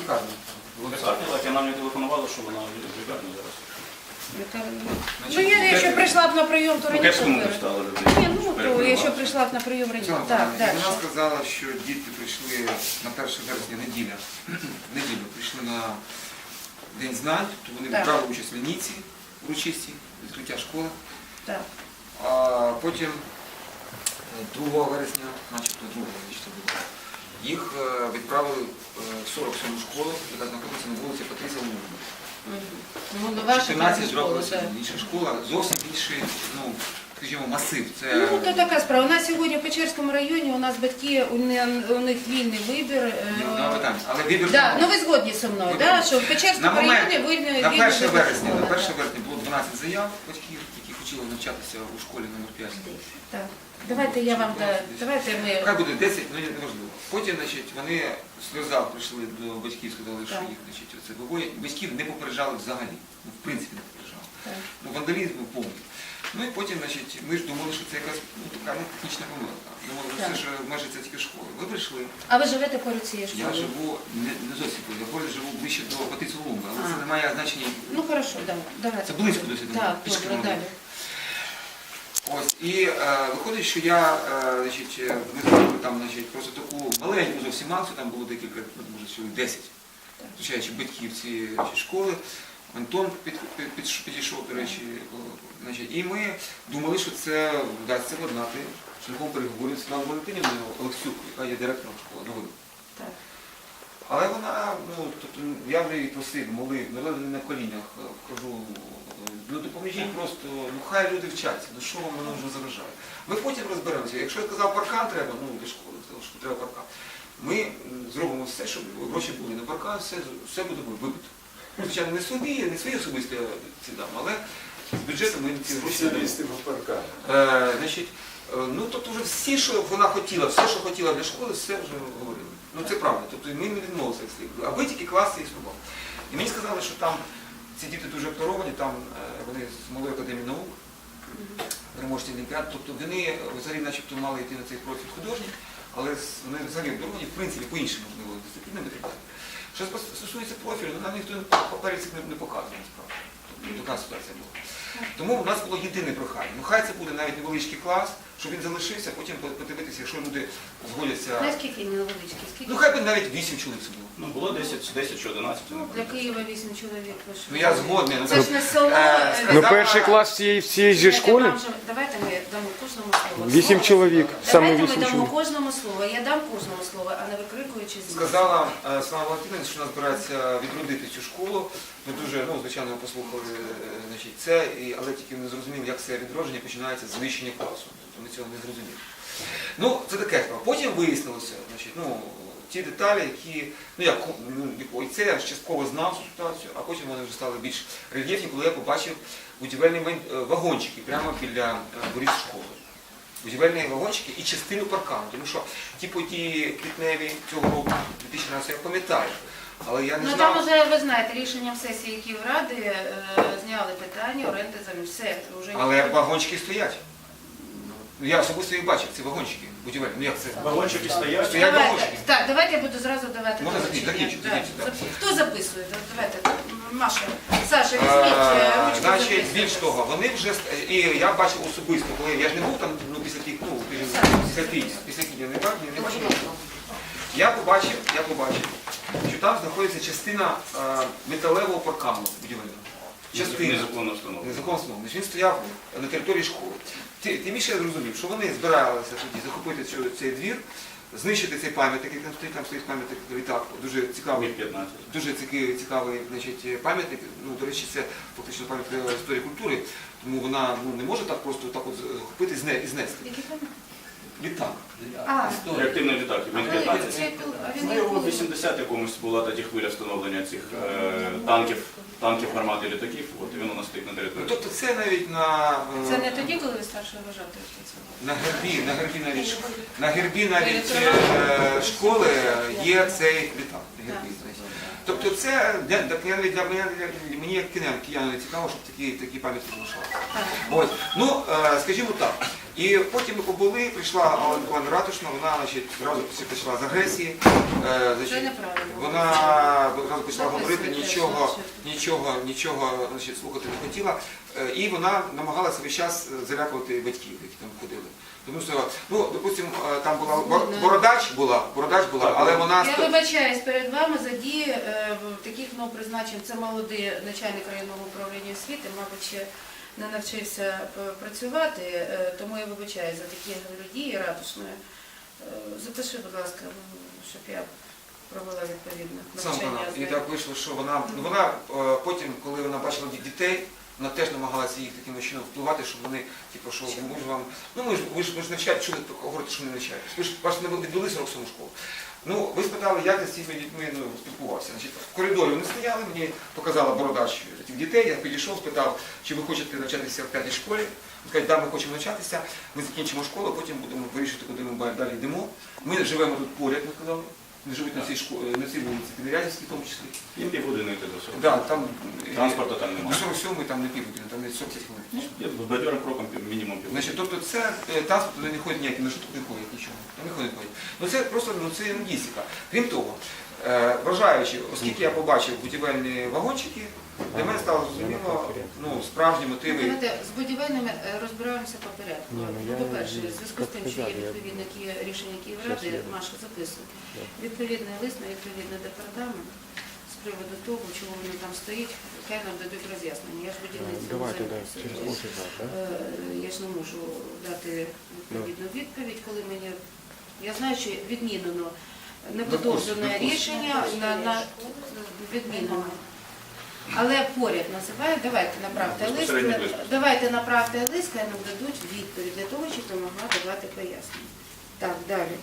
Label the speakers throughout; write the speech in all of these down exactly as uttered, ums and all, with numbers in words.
Speaker 1: лікарні.
Speaker 2: Лікарня, так, я нам не телефонувала, що вона в лікарні зараз.
Speaker 3: Ну, я якщо прийшла б на прийом, то
Speaker 2: У
Speaker 3: раніше.
Speaker 2: Кепському не
Speaker 3: б-
Speaker 2: встала людей.
Speaker 3: Ні, ну, то якщо прийшла б на прийом раніше.
Speaker 1: Цього,
Speaker 3: Так,
Speaker 1: і
Speaker 3: далі.
Speaker 1: вона сказала, що діти прийшли на перше вересня, неділя, неділю, прийшли на День знань, тобто вони
Speaker 3: Так.
Speaker 1: брали участь в лінійці урочистій, відкриття школи.
Speaker 3: Так.
Speaker 1: А потім другого вересня, начебто другого вересня було, їх е, відправили е, в сорок сьому школу, яка знаходиться на вулиці Патрісія Лугова.
Speaker 3: Ну, до вашої
Speaker 1: чотирнадцять
Speaker 3: школи,
Speaker 1: років
Speaker 3: так.
Speaker 1: інша школа, зовсім інший, ну, скажімо, масив. Це...
Speaker 3: Ну, то така справа. У нас сьогодні в Печерському районі, у нас батьки, у не- у них вільний вибір. е,
Speaker 1: Нема питань. Але вибір
Speaker 3: Да,
Speaker 1: тому-
Speaker 3: ну ви згодні зі мною,
Speaker 1: Ну,
Speaker 3: да,
Speaker 1: так.
Speaker 3: що в
Speaker 1: на
Speaker 3: Печерському
Speaker 1: момент,
Speaker 3: районі вільний
Speaker 1: на
Speaker 3: вільний
Speaker 1: перше
Speaker 3: вибір
Speaker 1: вересня,
Speaker 3: школи,
Speaker 1: на
Speaker 3: да.
Speaker 1: перше вересня було дванадцять заяв батьків, які хотіли навчатися у школі номер п'ять.
Speaker 3: Так. Давайте я вам, да, давайте ми...
Speaker 1: Хай буде десять, ну неважливо. Потім, значить, вони сльоза прийшли до батьків, сказали, що
Speaker 3: Так.
Speaker 1: їх, значить, оце виводять. Батьків не попереджали взагалі, ну, в принципі не попереджали.
Speaker 3: Так.
Speaker 1: Ну, вандалізм був повний. Ну і потім, значить, ми ж думали, що це якась ну, така ну, технічна помилка. Думали, що
Speaker 3: Так.
Speaker 1: це ж майже це тільки школи. Ви прийшли.
Speaker 3: А ви живете поруч цієї школи?
Speaker 1: Я живу не, не зовсім поруч, я поруч живу ближче до Патрісія Лугова, але
Speaker 3: А.
Speaker 1: це не має значення.
Speaker 3: Ну, хорошо, да, давайте.
Speaker 1: Це близько досить.
Speaker 3: Так,
Speaker 1: пішки
Speaker 3: добре,
Speaker 1: можна.
Speaker 3: далі.
Speaker 1: Ось, і е, виходить, що я, е, значить, е, ми зробили там, значить, просто таку маленьку зовсім акцію, там було декілька, ну, може, чоловік десять, включаючи батьків цієї значить, школи. Антон під, під, під, підійшов, до речі, о, значить, і ми думали, що це вдасться владнати шляхом переговорів з Світланою Валентинівною Олексюк, яка є директором школи нової.
Speaker 3: Так.
Speaker 1: Але вона, ну, тобто, я вже її просив, молив, не на колінях е, вхожу, ну допоможіть просто, ну хай люди вчаться, ну що вам воно вже заважає. Ми потім розберемося. Якщо я казав, паркан треба, ну для школи, сказав, що треба паркан. Ми м, зробимо все, щоб гроші були на паркан, все, все буде вибито. Звичайно, не собі, не свої особисті ці дам, але з бюджету ми ці гроші не дамо. Е, значить, е, ну тобто вже всі, що вона хотіла, все, що хотіла для школи, все вже говорили. Ну це правда. Тобто ми не відмовилися від слів. Аби тільки класи існував. І мені сказали, що там ці діти дуже обдаровані, там е, вони з Малої академії наук, переможці олімпіад, тобто вони взагалі начебто мали йти на цей профіль художній, але з- вони взагалі обдаровані, в принципі, по іншим можливо дисциплінам і так далі. Що стосується профілю, ну, нам ніхто папері цих не, не показує, насправді. Тобто така ситуація була. Тому у нас було єдине прохання. Ну хай це буде навіть невеличкий клас, щоб він залишився, потім подивитися, якщо люди згодяться.
Speaker 3: Наскільки невеличкі? Скільки?
Speaker 1: Ну хай би навіть вісім чоловік це було.
Speaker 2: Ну, було десять, десять чи одинадцять.
Speaker 3: Ну, для Києва вісім чоловік. ви що?
Speaker 1: Ну я згодний. Ну,
Speaker 3: Це ж не село.
Speaker 1: Е,
Speaker 3: е,
Speaker 4: Ну
Speaker 1: сказала-
Speaker 4: перший клас цієї всієї же
Speaker 3: Давайте
Speaker 4: школи
Speaker 3: вам же- Давайте ми дамо кожному слово.
Speaker 4: вісім
Speaker 3: Слово.
Speaker 4: чоловік, саме
Speaker 3: Давайте ми
Speaker 4: вісім
Speaker 3: дамо
Speaker 4: чоловік.
Speaker 3: кожному слово. Я дам кожному слово, а не викрикуючи з
Speaker 1: Сказала е, Слава Валентинівна, що вона збирається відродити цю школу. Ми дуже, ну, звичайно, ми послухали е, значить, це, і, але тільки не зрозуміли, як це відродження починається з знищення класу. Тобто ми цього не зрозуміли. Ну, це таке справа. Потім вияснилося, значить, ну, ті деталі, які, ну, як, ну, і це я частково знав цю ситуацію, а потім вони вже стали більш рельєфні, коли я побачив будівельні майн- е, вагончики прямо біля е, воріт школи. Будівельні вагончики і частину паркану. Тому що ті події квітневі цього року, дві тисячі тринадцятого, я пам'ятаю. Але я не
Speaker 3: Ну
Speaker 1: знав.
Speaker 3: там вже, ви знаєте, рішенням сесії Київради е, зняли питання оренди землі. Все, вже
Speaker 1: Але
Speaker 3: ніхто-
Speaker 1: вагончики стоять. Ну, я особисто їх бачив, ці вагончики будівельні. Ну як це?
Speaker 2: Вагончики стоять.
Speaker 1: Стоять
Speaker 3: Давайте,
Speaker 1: вагончики.
Speaker 3: так, давайте я буду зразу давати
Speaker 1: Можна
Speaker 3: доручення.
Speaker 1: закінчити,
Speaker 3: Так,
Speaker 1: закінчити, так.
Speaker 3: зап- Хто записує? Да, Давайте, Маша, Саша,
Speaker 1: Е,
Speaker 3: візьміть е, ручку.
Speaker 1: Значить,
Speaker 3: записуйте.
Speaker 1: більш того, вони вже ст- і я бачив особисто, коли я ж не був там ну, після тих, ну, після після після кіння не бачив, не бачив. Я побачив, я побачив, що там знаходиться частина е, металевого паркану будівельного. Частина.
Speaker 2: Незаконно встановлено.
Speaker 1: Незаконно встановлений. Він стояв на території школи. Ти- Тим більше я зрозумів, що вони збиралися тоді захопити цю- цей двір, знищити цей пам'ятник, який там стоїть, там стоїть пам'ятник літак, дуже цікавий.
Speaker 2: Міг п'ятнадцять.
Speaker 1: Дуже цікавий, цікавий значить, пам'ятник. Ну, до речі, це фактично пам'ятка історії культури, тому вона ну, не може так просто так от захопити і зне- і знести.
Speaker 3: Який пам'ятник?
Speaker 1: Літак.
Speaker 3: А,
Speaker 2: Реактивний літак, він
Speaker 3: а
Speaker 2: п'ятнадцять.
Speaker 3: це піл- а він
Speaker 2: Ну, його в
Speaker 3: який?
Speaker 2: вісімдесят якомусь була тоді хвиля встановлення цих е, танків, танків, гармат і літаків, от і він у нас стоїть на
Speaker 1: Ну,
Speaker 2: території.
Speaker 1: тобто це навіть на, е,
Speaker 3: Це не тоді, коли ви старший вважати працювали?
Speaker 1: на гербі, на гербі навіть, на гербі навіть е, школи є цей літак. На гербі, значить. Тобто це для, для, для, для мене, для, мені як киян, кияну цікаво, щоб такі, такі пам'ятки залишалися. Ось. Ну, е, скажімо так, І потім ми побули, прийшла Алла Миколаївна Ратушна, вона значить, одразу почала з агресії. Е, значить,
Speaker 3: Це неправильно.
Speaker 1: Вона одразу почала говорити,
Speaker 3: Записуйте,
Speaker 1: нічого,
Speaker 3: значить.
Speaker 1: нічого, нічого значить, слухати не хотіла. Е, І вона намагалася весь час залякувати батьків, які там ходили. Тому що, ну, допустимо, е, там була бор- бородач була, бородач була, але вона
Speaker 3: Я
Speaker 1: сто-
Speaker 3: вибачаюсь перед вами за дії е, таких ну, призначень. Це молодий начальник районного управління освіти, мабуть, ще не навчився е, працювати, е, тому я вибачаюсь за такі дії ратушної. Е, Запиши, будь ласка, ну, щоб я провела відповідне
Speaker 1: сам
Speaker 3: навчання.
Speaker 1: канал.
Speaker 3: з
Speaker 1: І
Speaker 3: нею.
Speaker 1: так вийшло, що вона, ну, вона е, потім, коли вона бачила ді- дітей, вона теж намагалася їх таким чином впливати, щоб вони, типу, що ми ж вам, ну ми ж ви ж ви ж навчаєте, що ви говорите, що не навчаєтесь. Ви ж ваш не відвели сорок сьому школу. Ну, ви спитали, як я з цими дітьми ну, спілкувався. Значить, в коридорі вони стояли, мені показала бородач цих дітей, я підійшов, спитав, чи ви хочете навчатися в п'ятій школі. Вони кажуть, так, ми хочемо навчатися, ми закінчимо школу, потім будемо вирішити, куди ми далі йдемо. Ми живемо тут поряд, ми сказали. Вони живуть на цій школі, на цій вулиці, Підрядівській в тому числі.
Speaker 2: Їм півгодини йти до сорок.
Speaker 1: Да, там
Speaker 2: Транспорту там
Speaker 1: до
Speaker 2: немає.
Speaker 1: сорок сьомої там не півгодини, там не сорок хвилин.
Speaker 2: Я бадьорим кроком пів- мінімум півгодини.
Speaker 1: Значить, тобто це е, транспорт туди не ходить ніякий, на що тут не ходять, нічого. Там не ходить, не ходять. Ну це просто ну, це логістика. Крім того, е, вважаючи, оскільки я побачив будівельні вагончики, для мене стало зрозуміло ну, справжні мотиви.
Speaker 3: Давайте з будівельними е, розбираємося по порядку.
Speaker 4: Ні, ну,
Speaker 3: Ну,
Speaker 4: я
Speaker 3: По-перше,
Speaker 4: не-
Speaker 3: в зв'язку з тим, що є відповідне Ки- рішення Київради, Маша записує, відповідний лист на відповідний департамент з приводу того, чого воно там стоїть, хай нам дадуть роз'яснення. Я ж будівництвом
Speaker 4: Давайте, да,
Speaker 3: займаюся.
Speaker 4: через
Speaker 3: Тобто,
Speaker 4: офис, да?
Speaker 3: е, Я ж не можу дати відповідну відповідь, коли мені... Я знаю, що відмінено неподовжене
Speaker 1: Допустим,
Speaker 3: рішення на, на відмінено. Але поряд називають, давайте направте лист,
Speaker 2: Безпосередньо лист.
Speaker 3: давайте направте лист, хай нам дадуть відповідь для того, щоб я могла давати пояснення. Так, далі.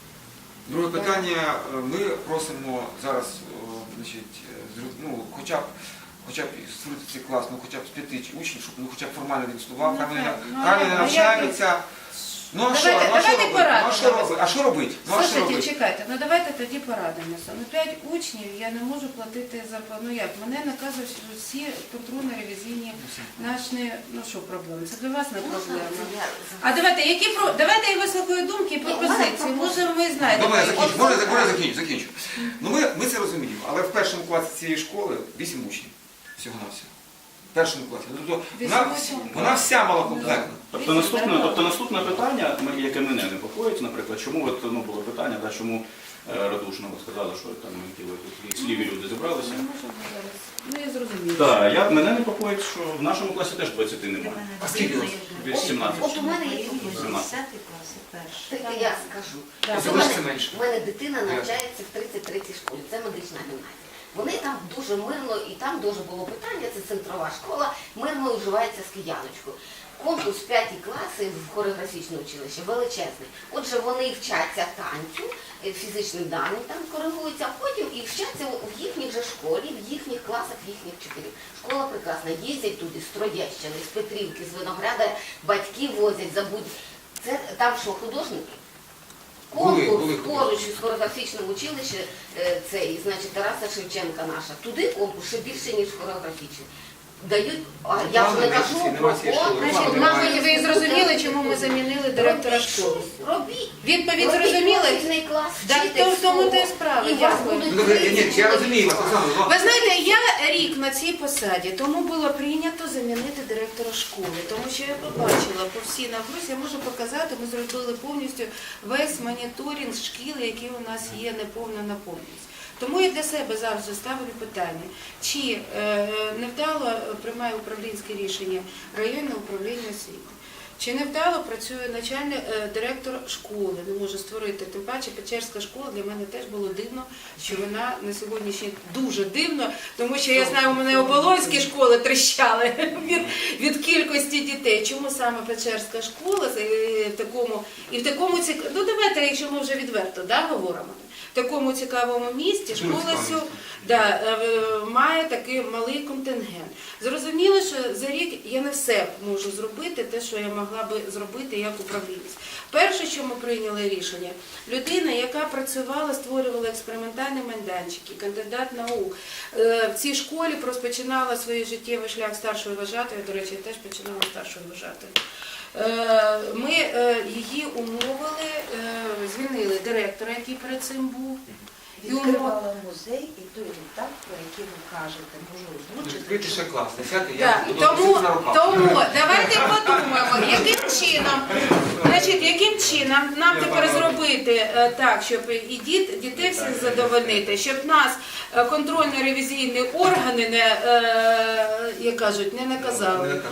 Speaker 1: Друге питання. е, Ми просимо зараз, о, значить, е, зру- ну, хоча б хоча б створити цей клас, ну хоча б з п'яти учнів, щоб ну, хоча б формально він існував,
Speaker 3: Ну,
Speaker 1: хай вони
Speaker 3: так. Ну,
Speaker 1: хай
Speaker 3: а
Speaker 1: вони
Speaker 3: як-
Speaker 1: навчаються. Ну а що,
Speaker 3: Давайте-
Speaker 1: ну, а що
Speaker 3: давайте
Speaker 1: робити? Ну, а що
Speaker 3: порадимося.
Speaker 1: робити? А що робити? Ну а що
Speaker 3: Слушайте,
Speaker 1: робити?
Speaker 3: чекайте, ну давайте тоді порадимося. Ну п'ять учнів я не можу платити зарплату. Ну як? Мене наказують що всі контрольно-ревізійні наші, ну що проблеми? Це для вас не проблема. А давайте, які про давайте я вислухаю думки і пропозиції. Може, ви знаєте.
Speaker 1: Добре, я
Speaker 3: про-
Speaker 1: закінчу. Можна я- можна я закінчу, закінчу. Ну ми, ми це розуміємо, але в першому класі цієї школи вісім учнів всього на всього. В першому класі. Тобто вона,
Speaker 3: Вісім учнів.
Speaker 1: вона вся малокомплектна.
Speaker 2: Тобто наступне, тобто наступне питання, м- яке мене непокоїть, наприклад, чому от, ну, було питання, да, чому е, Радушна ви сказали, що там які ви тут сліві люди зібралися.
Speaker 3: Ну, можемо зараз. Ну я зрозуміла.
Speaker 2: Так, я, мене непокоїть, що в нашому класі теж двадцяти немає.
Speaker 1: А скільки у вас?
Speaker 2: Від сімнадцяти.
Speaker 5: От у мене є
Speaker 2: сімнадцять.
Speaker 5: десятий клас, перший. Так я скажу.
Speaker 3: Так.
Speaker 1: Це
Speaker 5: У
Speaker 1: лише
Speaker 5: мене,
Speaker 1: це менше.
Speaker 5: у мене дитина навчається в тридцять третій школі, це медична гімназія. Вони там дуже мирно, і там дуже було питання, це центрова школа, мирно уживається з кияночкою. Конкурс п'яті класи в хореографічне училище величезний. Отже, вони вчаться танцю, е, фізичним даним там коригуються, а потім і вчаться в їхній же школі, в їхніх класах, в їхніх вчителів. Школа прекрасна, їздять туди з Троєщини, з Петрівки, з Винограда, батьки возять, забудь. Це там що, художники?
Speaker 1: Були,
Speaker 5: Конкурс
Speaker 1: були
Speaker 5: поруч із хореографічним училищем, е, цей, значить, Тараса Шевченка наша. Туди конкурс ще більше, ніж хореографічний. Дають, а я вже не кажу
Speaker 1: Нема
Speaker 5: про
Speaker 1: цієї школи.
Speaker 5: конкурс.
Speaker 1: Руслан,
Speaker 3: Мабуть, ви зрозуміли, чому ми замінили директора школи.
Speaker 5: Робіть.
Speaker 3: Відповідь
Speaker 5: Робіть
Speaker 3: зрозуміли?
Speaker 5: профільний клас,
Speaker 3: Так,
Speaker 5: вчити
Speaker 3: то в тому
Speaker 5: всього.
Speaker 3: та й справа.
Speaker 5: І вас
Speaker 3: Дякую.
Speaker 5: будуть
Speaker 1: Ну, добре, ні,
Speaker 5: тридцять
Speaker 1: я
Speaker 5: чоловік.
Speaker 1: розумію вас, Оксана, ну,
Speaker 3: Ви знаєте, я рік на цій посаді, тому було прийнято замінити директора школи, тому що я побачила по всій наврузі, я можу показати, ми зробили повністю весь моніторинг шкіл, які у нас є неповна наповненість. Тому я для себе завжди ставлю питання, чи е, невдало приймає управлінське рішення районне управління освіти. Чи невдало працює начальник е, директор школи, не може створити, тим паче Печерська школа для мене теж було дивно, що вона на сьогоднішній дуже дивно, тому що я знаю, у мене оболонські школи тріщали від, від кількості дітей. Чому саме Печерська школа е, в такому і в такому цік... ну давайте, якщо ми вже відверто да, говоримо, в такому цікавому місті школа сьо... да, е, має такий малий контингент. Зрозуміло, що за рік я не все можу зробити, те, що я могла би зробити як управлінець. Перше, що ми прийняли рішення, людина, яка працювала, створювала експериментальні майданчики, кандидат наук, е, в цій школі розпочинала свій життєвий шлях старшої вважатої, до речі, я теж починала старшою вважатою. Е, Ми е, її умовили, е, звільнили директора, який перед цим був. І умов...
Speaker 6: Відкривала музей і той етап, про який ви кажете, можу озвучити.
Speaker 1: Відкрити ще клас. Десятий,
Speaker 3: Так,
Speaker 1: я буду
Speaker 3: тому,
Speaker 1: носити на руках.
Speaker 3: тому давайте подумаємо, яким чином, значить, яким чином нам тепер зробити е, так, щоб і діт, дітей всіх задовольнити, щоб нас е, контрольно-ревізійні органи не, е, як кажуть, не
Speaker 1: Не
Speaker 3: наказали.
Speaker 1: накажуть.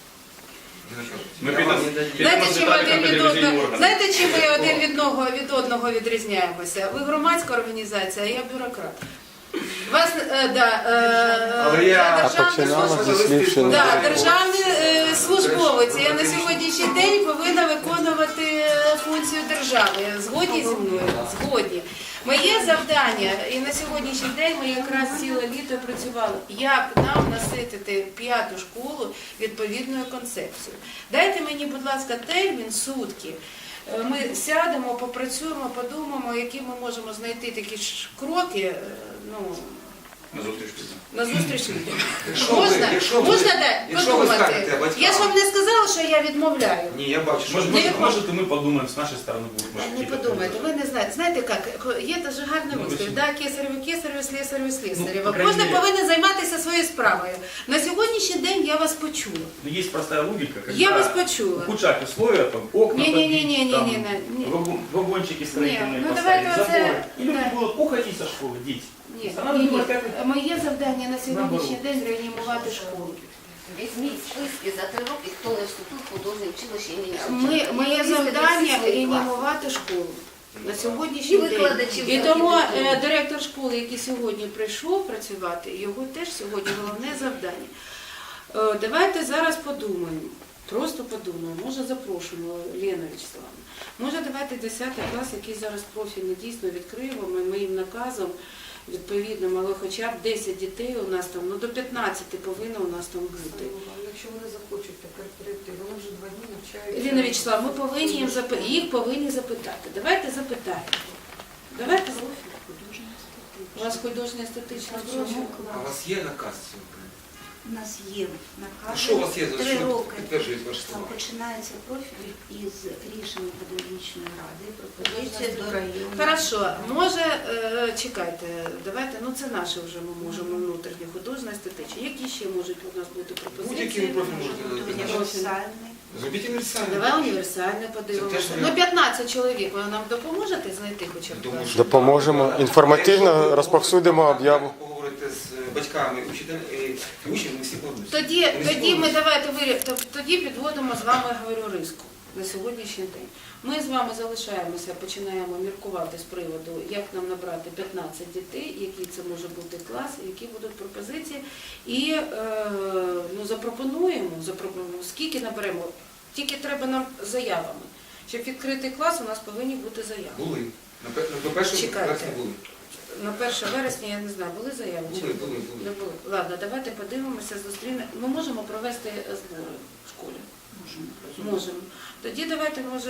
Speaker 1: Не накажуть.
Speaker 2: Ми
Speaker 1: Я
Speaker 2: підемо-
Speaker 1: вам-
Speaker 2: підемо
Speaker 3: Знаєте,
Speaker 2: з
Speaker 3: чим ми
Speaker 2: деталями
Speaker 3: один від
Speaker 2: телевізійні
Speaker 3: одного,
Speaker 2: органи.
Speaker 3: знаєте, чим ми один від одного, від одного відрізняємося? Ви громадська організація, а я бюрократ. Вас, е, да, е,
Speaker 1: Але я-
Speaker 3: я
Speaker 4: А
Speaker 3: державний
Speaker 4: починала
Speaker 3: службовець.
Speaker 4: зі слів, що
Speaker 3: Да,
Speaker 4: не
Speaker 3: державний е, службовець. Я на сьогоднішній день повинна виконувати е, функцію держави. Згодні зі мною? Згодні. Моє завдання, і на сьогоднішній день ми якраз ціле літо працювали, як нам наситити п'яту школу відповідною концепцією. Дайте мені, будь ласка, термін сутки. Е, Ми сядемо, попрацюємо, подумаємо, які ми можемо знайти такі ж кроки. е, Ну,
Speaker 2: На зустріч підемо.
Speaker 3: на зустріч людям.
Speaker 1: Якщо ви-
Speaker 3: Можна,
Speaker 1: якщо ви-
Speaker 3: можна да,
Speaker 1: якщо ви скажете
Speaker 3: подумати.
Speaker 1: батькам-
Speaker 3: Я ж вам не сказала, що я відмовляю.
Speaker 1: Ні, я бачу, що...
Speaker 7: Может,
Speaker 3: Не
Speaker 7: может,
Speaker 3: відмов-
Speaker 7: может, и мы подумаем, с нашей стороны будет.
Speaker 3: Е,
Speaker 7: может,
Speaker 3: Не
Speaker 7: какие-то
Speaker 3: подумайте, ви не знаєте. Знаєте як, є дуже гарний
Speaker 7: Ну,
Speaker 3: вислів,
Speaker 7: ви
Speaker 3: да, кесареві кесареві, слесареві слесареві.
Speaker 7: по крайней
Speaker 3: Кожен
Speaker 7: мере.
Speaker 3: повинен займатися своєю справою. На сьогоднішній день я вас почула.
Speaker 7: Ну, есть простая логика, когда
Speaker 3: Я вас почула.
Speaker 7: ухудшать условия, там, окна
Speaker 3: Не-не-не-не-не-не,
Speaker 7: побить, там,
Speaker 3: не.
Speaker 7: вагон- вагончики строительные
Speaker 3: Не, ну,
Speaker 7: поставить,
Speaker 3: давайте
Speaker 7: заборы.
Speaker 3: оце-
Speaker 7: И люди
Speaker 3: да.
Speaker 7: будут уходить со школы, дети.
Speaker 3: Ні,
Speaker 7: Вона
Speaker 3: ні,
Speaker 7: думає,
Speaker 3: ні.
Speaker 7: як-
Speaker 3: Моє завдання на сьогоднішній
Speaker 7: Наоборот.
Speaker 3: день реанімувати школу.
Speaker 5: Візьміть списки за три роки, хто не вступив в художнє училище імені
Speaker 3: Ми,
Speaker 5: Шевченка.
Speaker 3: моє
Speaker 5: І вивезти
Speaker 3: завдання
Speaker 5: всі свої класи.
Speaker 3: реанімувати школу на сьогоднішній
Speaker 5: І
Speaker 3: день.
Speaker 5: викладачів
Speaker 3: І
Speaker 5: за
Speaker 3: тому
Speaker 5: архітектуру.
Speaker 3: е, директор школи, який сьогодні прийшов працювати, його теж сьогодні головне завдання. Е, Давайте зараз подумаємо. Просто подумаємо, може запрошуємо Лену Вячеславовну. Може давайте десятий клас, який зараз профільний дійсно відкриємо, ми моїм наказом відповідним, але хоча б десять дітей у нас там, ну до п'ятнадцяти повинно у нас там бути.
Speaker 8: Якщо вони захочуть тепер прийти, вони вже два дні навчаються.
Speaker 3: Ірина Вячеславовна, ми повинні їм запи- їх повинні запитати. Давайте запитаємо. Давайте у вас художньо естетична профіль.
Speaker 1: А у вас є наказ цього?
Speaker 6: У нас є
Speaker 1: А
Speaker 6: наказ.
Speaker 1: що у вас є? За
Speaker 6: Три
Speaker 1: що
Speaker 6: роки.
Speaker 1: підтверджують ваші
Speaker 6: Там
Speaker 1: слова?
Speaker 6: починається профіль із рішення педагогічної ради, пропозиція до району.
Speaker 3: Хорошо, може, е, чекайте, давайте, ну це наше вже ми можемо внутрішнє художньо естетичне. Які ще можуть у нас бути
Speaker 1: Будь-який
Speaker 3: пропозиції?
Speaker 1: ви профіль можете призначити.
Speaker 6: Універсальний.
Speaker 1: Зробіть універсальний.
Speaker 3: Давай універсальне
Speaker 1: Це
Speaker 3: подивимося.
Speaker 1: теж не-
Speaker 3: Ну п'ятнадцять чоловік, ви нам допоможете знайти хоча б?
Speaker 1: Думаю, що
Speaker 4: Допоможемо.
Speaker 1: так.
Speaker 4: Інформативно
Speaker 1: А якщо
Speaker 4: розповсюдимо
Speaker 1: ви
Speaker 4: об'яву.
Speaker 1: Поговорите з батьками, учителями і учнями, всі погодяться.
Speaker 3: Тоді,
Speaker 1: Вони
Speaker 3: тоді ми
Speaker 1: згодні.
Speaker 3: давайте вирі- тоб- тоді підводимо з вами, говорю, риску на сьогоднішній день. Ми з вами залишаємося, починаємо міркувати з приводу, як нам набрати п'ятнадцять дітей, який це може бути клас, які будуть пропозиції. І е, ну, запропонуємо, запропонуємо, скільки наберемо. Тільки треба нам заявами. Щоб відкрити клас, у нас повинні бути заяви.
Speaker 1: Були. На пе- на першому
Speaker 3: Чекайте.
Speaker 1: вересня були.
Speaker 3: На перше вересня, я не знаю, були заяви? чи
Speaker 1: Були,
Speaker 3: не
Speaker 1: були, були.
Speaker 3: Не були. Ладно, давайте подивимося, зустрінемо. Ми можемо провести збори в школі? Можемо. Тоді давайте, може,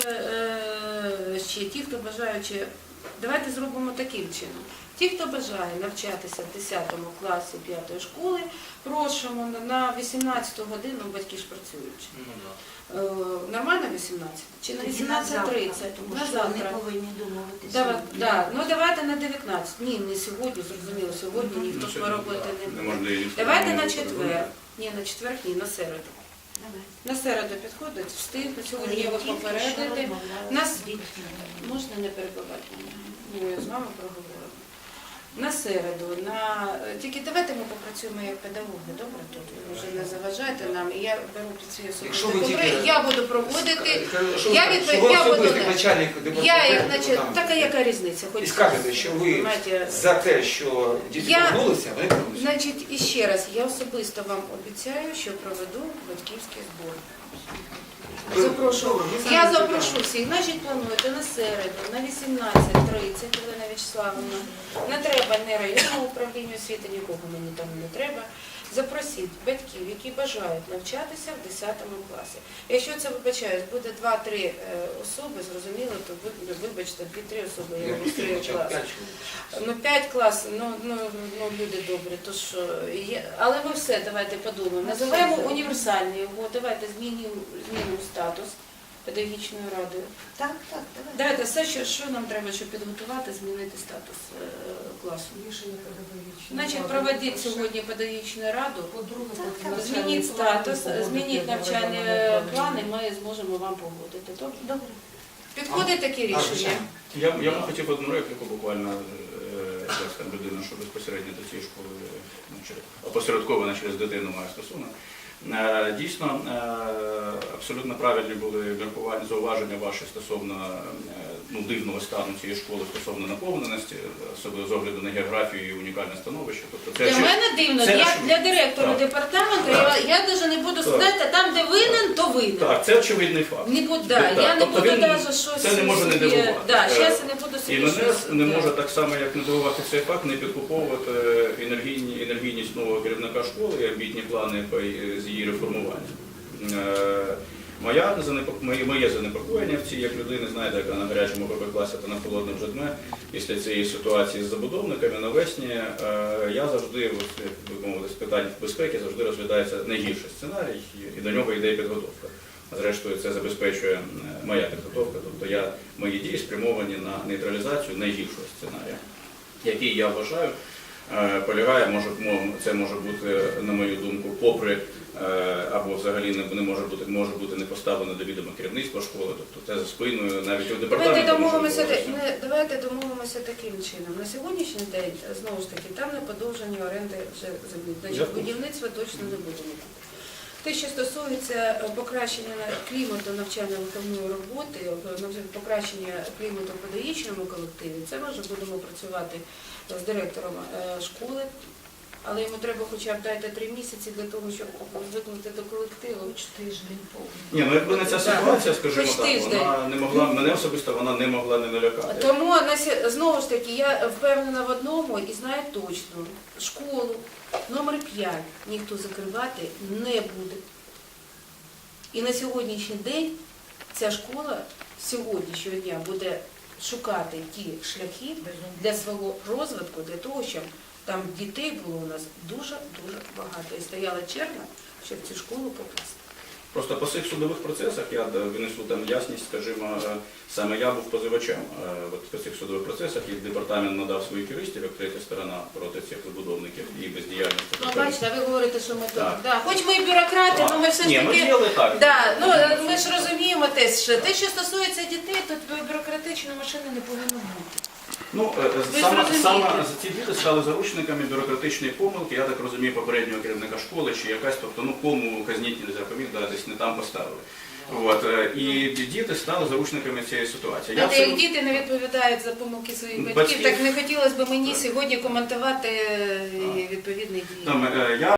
Speaker 3: е, ще ті, хто бажаючи, давайте зробимо таким чином. Ті, хто бажає навчатися в десятому класі п'ятої школи, просимо на- на вісімнадцяту годину, батьки ж працюють. Е, Нормально вісімнадцять? Чи на
Speaker 6: Тоді
Speaker 3: вісімнадцять тридцять?
Speaker 6: завтра, тому
Speaker 3: На
Speaker 6: що вони
Speaker 3: завтра.
Speaker 6: повинні домовитися.
Speaker 3: Давай, да. Ну давайте на дев'ятнадцять. Ні, не сьогодні, зрозуміло, сьогодні ніхто ж робити не буде.
Speaker 2: Неможливість.
Speaker 3: Давайте на четвер. Ні, на четвер, ні, на середу.
Speaker 6: Давай.
Speaker 3: На середу підходить, встигнуть,
Speaker 6: Але
Speaker 3: сьогодні
Speaker 6: я
Speaker 3: його
Speaker 6: тільки що
Speaker 3: попередити.
Speaker 6: розмовляла
Speaker 3: Нас
Speaker 6: з дітьми.
Speaker 3: можна не перебивати мене. Ні, я з вами проговорила. На середу, на тільки давайте ми попрацюємо як педагоги, добре? Тут ви вже не заважайте нам. І я беру під свій
Speaker 1: Якщо
Speaker 3: особистий
Speaker 1: ви
Speaker 3: контроль.
Speaker 1: тільки-
Speaker 3: Я буду проводити.
Speaker 1: Що ви
Speaker 3: Я
Speaker 1: скажете?
Speaker 3: відповідь-
Speaker 1: Що ви
Speaker 3: я буду
Speaker 1: особистий
Speaker 3: не-
Speaker 1: начальник
Speaker 3: Я
Speaker 1: департаменту,
Speaker 3: як наче,
Speaker 1: там,
Speaker 3: така яка різниця? Хоч
Speaker 1: і скажете, що ви
Speaker 3: Знаєте,
Speaker 1: за те, що діти
Speaker 3: Я-
Speaker 1: повернулися, вони повернуться.
Speaker 3: Значить, і ще раз, я особисто вам обіцяю, що проведу батьківський збор.
Speaker 1: Ви-
Speaker 3: Запрошу.
Speaker 1: Добре, ми
Speaker 3: Я
Speaker 1: самі
Speaker 3: запрошу
Speaker 1: питаємо.
Speaker 3: всіх. Значить, плануєте на середу, на вісімнадцять тридцять, Олена Вячеславовна. Не треба ні районного управління освіти, нікого мені там не треба. запросіть батьків, які бажають навчатися в десятому класі. Якщо це, вибачаюсь, буде два-три е, особи, зрозуміло, то ви- вибачте, дві-три особи, я
Speaker 1: Я
Speaker 3: реєструю
Speaker 1: почав
Speaker 3: клас.
Speaker 1: п'ять чоловік.
Speaker 3: Ну, п'ять класів, ну, ну, ну, люди добрі, то що, є. Але ми все, давайте подумаємо. Називаємо універсальні його, давайте змінюємо, змінимо статус педагогічною радою.
Speaker 5: Так, так, давай.
Speaker 3: Давайте все, що, що нам треба, щоб підготувати, змінити статус е, класу.
Speaker 8: Рішення педагогічне.
Speaker 3: Значить, проведіть сьогодні педагогічну раду,
Speaker 8: По-друге,
Speaker 5: Так,
Speaker 8: потім
Speaker 5: так.
Speaker 8: навчальні
Speaker 3: змініть
Speaker 8: плани
Speaker 3: статус,
Speaker 8: погодити,
Speaker 3: змініть навчальні
Speaker 8: проведемо
Speaker 3: плани, ми зможемо вам погодити. Добре?
Speaker 5: Добре.
Speaker 3: Підходить таке рішення?
Speaker 2: Я, я б хотів одну репліку буквально, е, як там людина, що безпосередньо до цієї школи ну, через- опосередковано через дитину має стосунок. Е, Дійсно, е, абсолютно правильні були міркування, зауваження ваші стосовно е, ну, дивного стану цієї школи, стосовно наповненості, особливо з огляду на географію і унікальне становище. Тобто це
Speaker 3: Для
Speaker 2: чи-
Speaker 3: мене дивно,
Speaker 2: це
Speaker 3: для,
Speaker 2: очевидно.
Speaker 3: для директора
Speaker 2: Так.
Speaker 3: департаменту, я, я навіть не буду
Speaker 2: Так.
Speaker 3: сказати, там, де винен, то винен.
Speaker 2: Так, це очевидний факт.
Speaker 3: Не буду, да,
Speaker 2: Так,
Speaker 3: я не
Speaker 2: тобто
Speaker 3: буду
Speaker 2: він-
Speaker 3: навіть щось
Speaker 2: це не може не
Speaker 3: собі-
Speaker 2: дивувати.
Speaker 3: Да,
Speaker 2: Е,
Speaker 3: зараз я не буду собі
Speaker 2: І мене
Speaker 3: щось...
Speaker 2: не
Speaker 3: да.
Speaker 2: може так само, як не дивувати цей факт, не підкуповувати енергійні, енергійність нового керівника школи і амбітні плани по- з її реформування. Е, Моя занепок- моє, моє занепокоєння в цій, як людини, знаєте, яка на гарячому ПП класі та на холодному вже дме, після цієї ситуації з забудовниками навесні, е, я завжди, от, як би мовити, з питань безпеки завжди розглядається найгірший сценарій, і до нього йде підготовка. Зрештою, це забезпечує е, моя підготовка, тобто я, мої дії спрямовані на нейтралізацію найгіршого сценарія, який я вважаю е, полягає, може, мо- це може бути, на мою думку, попри е, або взагалі не, не може бути, може бути не поставлено до відома керівництва школи, тобто це за спиною навіть у департаменті.
Speaker 3: Давайте
Speaker 2: може
Speaker 3: домовимося,
Speaker 2: відбуватися.
Speaker 3: не, давайте домовимося таким чином. На сьогоднішній день, знову ж таки, там не подовжені оренди вже землі. Значить,
Speaker 2: Дякую.
Speaker 3: будівництва точно не будемо. Те, що стосується е, покращення клімату навчально-виховної роботи, е, навчання- покращення клімату в педагогічному колективі, це ми вже будемо працювати з директором е, школи, але йому треба хоча б дати три місяці для того, щоб звикнути до колективу.
Speaker 6: Тиждень повний.
Speaker 2: Ні, ну якби не ця ситуація, скажімо
Speaker 3: Хоч
Speaker 2: так,
Speaker 3: тиждень.
Speaker 2: вона не могла, мене особисто вона не могла не налякати.
Speaker 3: Тому на сі- знову ж таки я впевнена в одному і знаю точно, школу номер п'ять ніхто закривати не буде. І на сьогоднішній день ця школа з сьогоднішнього дня буде шукати ті шляхи для свого розвитку, для того, щоб там дітей було у нас дуже-дуже багато. І стояла черга, щоб цю школу покласти.
Speaker 2: Просто по цих судових процесах я е, винесу там ясність, скажімо, е, саме я був позивачем. Е, От по цих судових процесах і департамент надав своїх юристів, як третя сторона проти цих забудовників і бездіяльності.
Speaker 3: Ну, бачите, ви говорите, що ми тут.
Speaker 2: Так.
Speaker 3: Да. Хоч ми і бюрократи, але ми все ж
Speaker 2: Ні, ми
Speaker 3: таки.
Speaker 2: діяли так.
Speaker 3: Да, ну ми ж розуміємо те, що те, що стосується дітей, тут бюрократичної машини не повинно бути.
Speaker 2: Ну, е,
Speaker 3: Ви
Speaker 2: саме,
Speaker 3: зрозумієте.
Speaker 2: саме ці діти стали заручниками бюрократичної помилки, я так розумію, попереднього керівника школи чи якась, тобто, ну, кому казніть не запоміг, да, десь не там поставили. От, е, і діти стали заручниками цієї ситуації. Я
Speaker 3: Знаєте, як
Speaker 2: абсолютно-
Speaker 3: діти не відповідають за помилки своїх батьків,
Speaker 2: Батьків.
Speaker 3: так не хотілося б мені
Speaker 2: Так.
Speaker 3: сьогодні коментувати е, відповідні дії.
Speaker 2: Там, е, я